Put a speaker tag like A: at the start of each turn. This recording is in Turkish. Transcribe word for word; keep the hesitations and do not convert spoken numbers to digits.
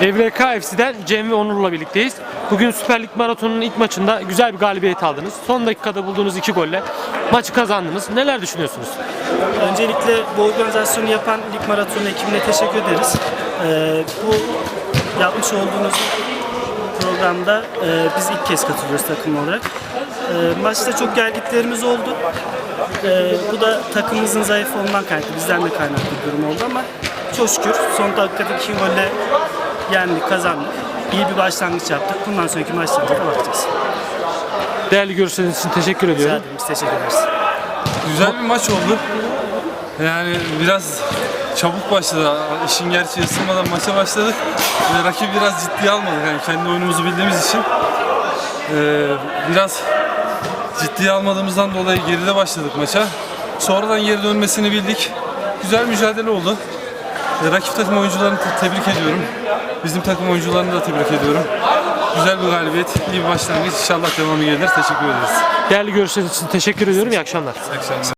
A: E V K F C'den Cem ve Onur'la birlikteyiz. Bugün Süper Lig Maratonu'nun ilk maçında güzel bir galibiyet aldınız. Son dakikada bulduğunuz iki golle maçı kazandınız. Neler düşünüyorsunuz?
B: Öncelikle bu organizasyonu yapan Lig Maratonu ekibine teşekkür ederiz. Ee, bu yapmış olduğunuz programda e, biz ilk kez katılıyoruz takım olarak. E, maçta çok gelgitlerimiz oldu. E, bu da takımımızın zayıf olman kaynaklı, bizden de kaynaklı bir durum oldu ama çok şükür son dakikadaki iki golle yendik, kazandık. İyi bir başlangıç yaptık. Bundan sonraki maçlarımıza da bakacağız.
A: Değerli görüşleriniz için teşekkür ediyorum.
B: Rica ederim, biz teşekkür ederiz.
C: Güzel bir maç oldu. Yani biraz çabuk başladı. İşin gerçeği ısınmadan maça başladık. Ve rakibi biraz ciddiye almadık. Yani kendi oyunumuzu bildiğimiz için ee, biraz ciddiye almadığımızdan dolayı geride başladık maça. Sonradan geri dönmesini bildik. Güzel mücadele oldu. Ee, rakip takım oyuncularını tebrik ediyorum. Bizim takım oyuncularını da tebrik ediyorum. Güzel bir galibiyet, iyi bir başlangıç. İnşallah devamı gelir. Teşekkür ederiz.
A: Değerli görüşleriniz için teşekkür ediyorum. İyi akşamlar.
C: İyi akşamlar.